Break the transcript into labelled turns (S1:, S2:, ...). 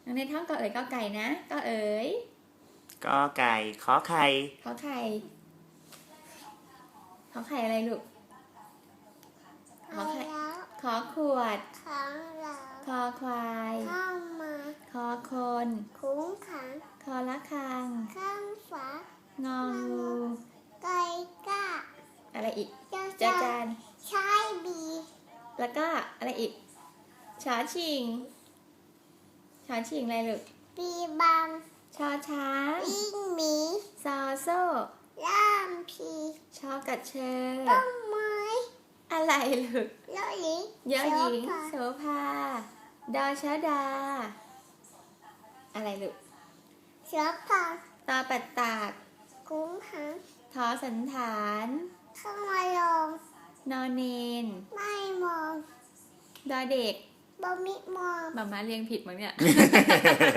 S1: น้องในท่องกอเอ๋ยกอไก่นะกอเอ๋ย
S2: กอไก่ขอไข่
S1: ขอไข่ขอไข่อะไรลูกขอไข่ขอขวดคอควายคอคนคอละคังงองูอะไรอีกจาจานแล้วก็อะไรอีกชอชิงอะไรลูกชอช้างซอโซ่ชอกัดเชออะไรลูกยอหญิงโสภาดอชดาอะไรลูกตอปัดตากทอสันฐานนอเนนดอเด็กหมาเรียงผิดมั้งเนี่ย